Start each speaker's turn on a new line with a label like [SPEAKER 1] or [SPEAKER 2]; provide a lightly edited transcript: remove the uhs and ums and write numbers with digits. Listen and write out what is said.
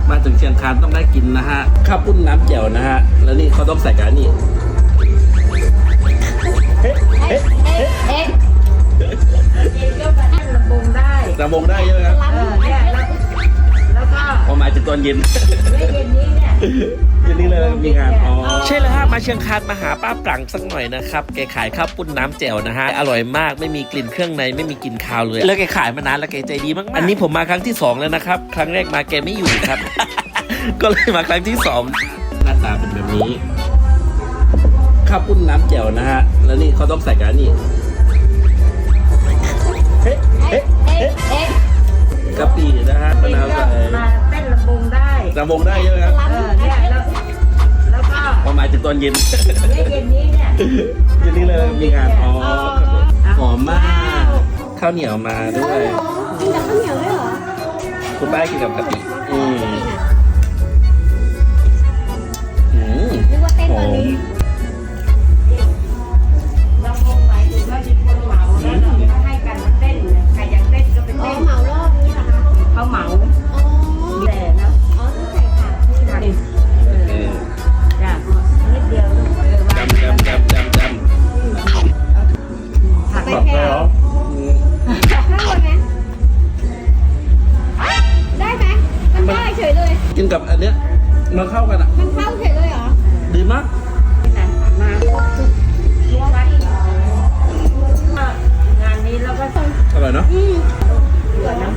[SPEAKER 1] มาถึงเชียงคานต้องได้กินนะฮะข้าวปุ้นน้ำแจ่วนะฮะแล้วนี่เขาต้องใส่กันนี่
[SPEAKER 2] ก็มาให้ลำบงได้
[SPEAKER 1] ระบงได้ใช่ไหมครับ
[SPEAKER 2] เนี่ยแล้วก็
[SPEAKER 1] พอหมายถึงตอนเย็น
[SPEAKER 2] เย็นนี้เนี่ย
[SPEAKER 1] เย็นนี้เลยมีงานอ๋อใช่แล้วฮะมาเชียงคานมาหาป้าปรังสักหน่อยนะครับแกขายข้าวปุ้นน้ำแจ่วนะฮะอร่อยมากไม่มีกลิ่นเครื่องในไม่มีกลิ่นคาวเลยแล้วแกขายมานานแล้วแกใจดีมากๆอันนี้ผมมาครั้งที่2แล้วนะครับครั้งแรกมาแกไม่อยู่ครับ ก็เลยมาครั้งที่2หน้าตาเป็นแบบนี้ข้าวปุ้นน้ำแจ่วนะฮะแล้วนี่เขาต้องใส่กันนี่กะปินะฮะมะนาวใส่
[SPEAKER 2] มาเต้นลำบงได้
[SPEAKER 1] ระบงได้ใช่ไหมครับ
[SPEAKER 2] เนี่ยแล้วก็
[SPEAKER 1] พอหมายถึงตอนเย็น
[SPEAKER 2] เย็นนี้เนี่ย
[SPEAKER 1] เย็นนี้เลยมีงานอ๋อหอมมากข้าวเหนียวมาด้วย
[SPEAKER 3] กินกับข้าวเหนียวด้วยเหรอ
[SPEAKER 1] คุณป้ากินกับกะปิ
[SPEAKER 3] นึกว่าเต้นตอนนี้
[SPEAKER 2] ลำบงหมายถึงว่ามีคนเหมาแล้วเราก็ให้กันมาเต้นใครอยากเต้นก็ไป
[SPEAKER 3] อ๋อ
[SPEAKER 2] เต้น
[SPEAKER 3] เหมารอบนี้เหรอคะ
[SPEAKER 2] เขาเหมา
[SPEAKER 3] อ๋อ
[SPEAKER 2] แต่นะ
[SPEAKER 3] อ๋อต้องใส่ผักนี่นะ
[SPEAKER 2] จ้ะนิดเดียววาง
[SPEAKER 1] จำ
[SPEAKER 2] ผัก
[SPEAKER 3] ไป
[SPEAKER 1] บอก
[SPEAKER 3] แค่
[SPEAKER 1] ได้เหรอ
[SPEAKER 3] ข้าวไหมได้ไหมมันได้เฉยเลย
[SPEAKER 1] กินกับอันเนี้ยมันเข้ากันอ่ะ
[SPEAKER 3] มันเข้าเฉยเลยเหรอ
[SPEAKER 1] ดีมาก
[SPEAKER 2] มาทิ้งไว้งานนี้เราก็ต้อง
[SPEAKER 1] อร่อยเนาะ
[SPEAKER 3] อืม
[SPEAKER 2] เผื่อน้ำ